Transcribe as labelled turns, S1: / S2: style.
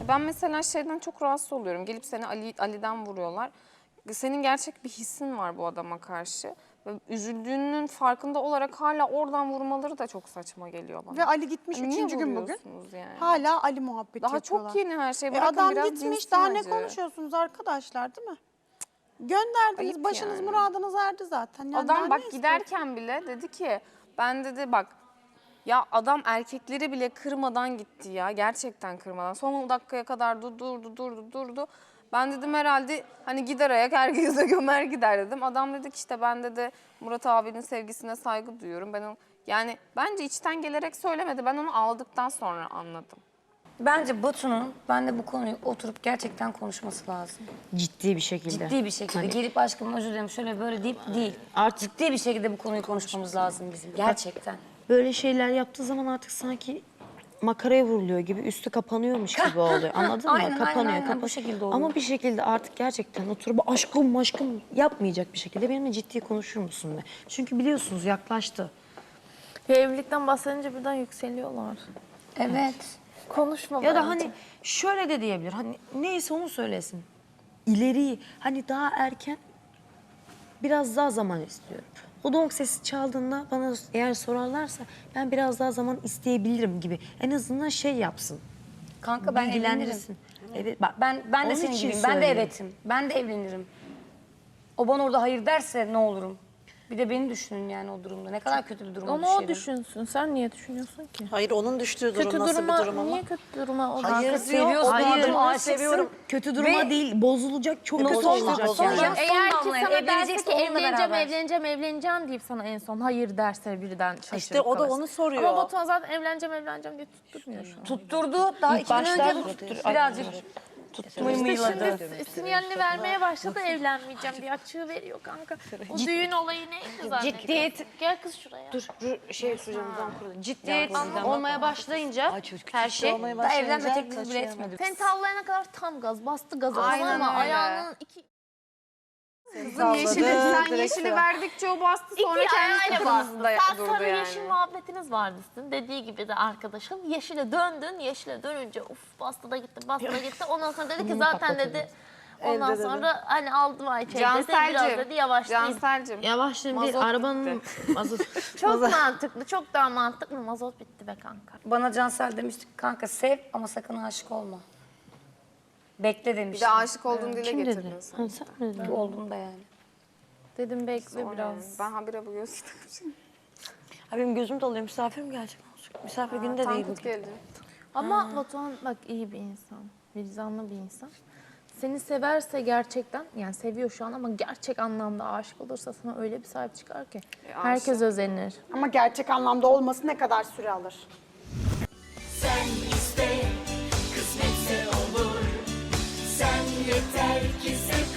S1: Ben mesela şeyden çok rahatsız oluyorum. Gelip seni Ali'den vuruyorlar. Senin gerçek bir hissin var bu adama karşı. Ve üzüldüğünün farkında olarak hala oradan vurmaları da çok saçma geliyor bana.
S2: Ve Ali gitmiş
S1: Niye
S2: 3. gün bugün.
S1: vuruyorsunuz yani?
S2: Hala Ali muhabbeti
S1: Daha
S2: yapıyorlar.
S1: çok yeni her şey. Bırakın
S2: Adam
S1: biraz
S2: gitmiş,
S1: dinsin
S2: daha ne
S1: acı.
S2: konuşuyorsunuz arkadaşlar, değil mi? Gönderdiniz,
S1: Ayıp
S2: başınız
S1: yani.
S2: muradınız erdi zaten. Yani daha
S1: Adam
S2: ne
S1: bak
S2: istiyorsun?
S1: giderken bile dedi ki, ben dedi bak, ya adam erkekleri bile kırmadan gitti ya, gerçekten kırmadan. Son dakikaya kadar durdu. Ben dedim herhalde hani gider ayak herkese gömer gider dedim. Adam dedi ki işte ben dedi Murat abinin sevgisine saygı duyuyorum. Yani bence içten gelerek söylemedi. Ben onu aldıktan sonra anladım.
S3: Bence Batu'nun benle bu konuyu oturup gerçekten konuşması lazım.
S4: Ciddi bir şekilde.
S3: Ciddi bir şekilde. Gelip aşkım özür dilerim şöyle böyle deyip değil.
S4: Artık
S3: Ciddi bir şekilde bu konuyu konuşmamız lazım bizim. Gerçekten.
S4: böyle şeyler yaptığı zaman artık sanki makaraya vuruluyor gibi, üstü kapanıyormuş gibi oluyor. Anladın mı?
S3: Aynen,
S4: Kapanıyor,
S3: aynen. Bu şekilde oluyor.
S4: Ama bir şekilde artık gerçekten oturup aşkım yapmayacak bir şekilde benimle ciddi konuşur musun be? Çünkü biliyorsunuz yaklaştı.
S5: Ya evlilikten bahsedince birden yükseliyorlar.
S3: Evet.
S5: Konuşma
S4: Ya da
S5: bence.
S4: hani şöyle de diyebilir. Hani neyse onu söylesin. İleriyi hani daha erken biraz daha zaman istiyorum. O donk sesi çaldığında bana eğer sorarlarsa ben biraz daha zaman isteyebilirim gibi. En azından şey yapsın.
S3: Kanka ben evlenirim.
S4: Bilgilendirsin. Evet, bak,
S3: Ben de
S4: onun
S3: senin
S4: için
S3: gibiyim. Ben de
S4: söylüyorum.
S3: evetim. Ben de evlenirim. O bana orada hayır derse ne olurum? Bir de beni düşünün yani o durumda. Ne kadar kötü bir duruma
S5: Onu
S3: düşerim.
S5: o düşünsün. Sen niye düşünüyorsun ki?
S6: Hayır, onun düştüğü durum
S5: Kötü
S6: nasıl
S5: duruma,
S6: bir durum ama?
S5: niye kötü duruma o
S6: Hayır,
S5: kanka?
S3: Seviyorsun
S4: Hayır,
S3: adamı,
S4: onu
S3: aşıksın.
S4: seviyorum. Kötü duruma
S3: Ve-
S4: değil, bozulacak, çok kötü
S3: Son-
S4: olacak
S3: son-
S4: yani.
S3: son-
S5: Eğer ki
S3: damlaya
S5: sana derse
S3: evlenecekse
S5: ki
S3: onunla beraber.
S5: evleneceğim deyip sana en son hayır derse birden şaşırıp
S6: İşte o da
S5: kalırsın.
S6: onu soruyor.
S5: Ama Batuhan zaten evleneceğim diye tutturmuyor şu an.
S3: Tutturdu. Daha
S4: İlk
S3: 2 gün
S4: başlar
S3: önce
S4: tutturdu.
S3: birazcık
S5: İşte
S3: mıymıyladı.
S5: şimdi sinyalini vermeye başladı evlenmeyeceğim diye açığı veriyor kanka. O düğün olayı neydi zaten?
S3: Ciddiyet.
S5: Gel kız şuraya.
S3: Ciddiyet
S7: olmaya başlayınca her şey
S3: daha evlenme teklifi bile etmedi.
S5: Seni tavlayana kadar tam gaz, bastı gazı.
S1: Aynen
S5: Ama
S1: öyle.
S5: ayağının iki
S1: Kızın sen yeşili verdikçe o bastı sonra kendisi kırmızıda
S5: Sen
S1: durdu
S5: sarı
S1: yani.
S5: yeşil muhabbetiniz vardı sizin. Dediği gibi de arkadaşın. Yeşile döndün. Yeşile dönünce bastı da gitti. Ondan sonra dedi ki zaten dedi. Ondan sonra hani aldım Ayça'yı dedi. Biraz dedi yavaşlayayım.
S1: Cansel'cim.
S4: Yavaşlayın bir
S1: Mazot
S4: arabanın mazot.
S5: Çok mantıklı. Çok daha mantıklı. Mazot bitti be kanka.
S3: Bana Cansel demişti kanka sev ama sakın aşık olma. Bekle
S1: Bir
S3: demişti.
S1: de aşık olduğunu dile
S4: Kim
S1: getirdin
S4: dedi?
S1: sen.
S4: Ha, sen mi dedin?
S3: Oldum da yani.
S5: Dedim bekle
S1: Sonra
S5: biraz.
S1: Ben habire bu gözü takmışım.
S4: Ha, benim gözüm doluyor. Misafir mi gelecek? Misafir günü de değil
S1: Tankut
S4: bugün.
S1: geldi.
S5: Ama Batuhan bak iyi bir insan. Vicdanlı bir insan. Seni severse gerçekten, yani seviyor şu an ama gerçek anlamda aşık olursa sana öyle bir sahip çıkar ki. Herkes özenir.
S2: Ama gerçek anlamda olması ne kadar süre alır?
S8: Sen iste, kısmetse olur. Sen yeter ki sev.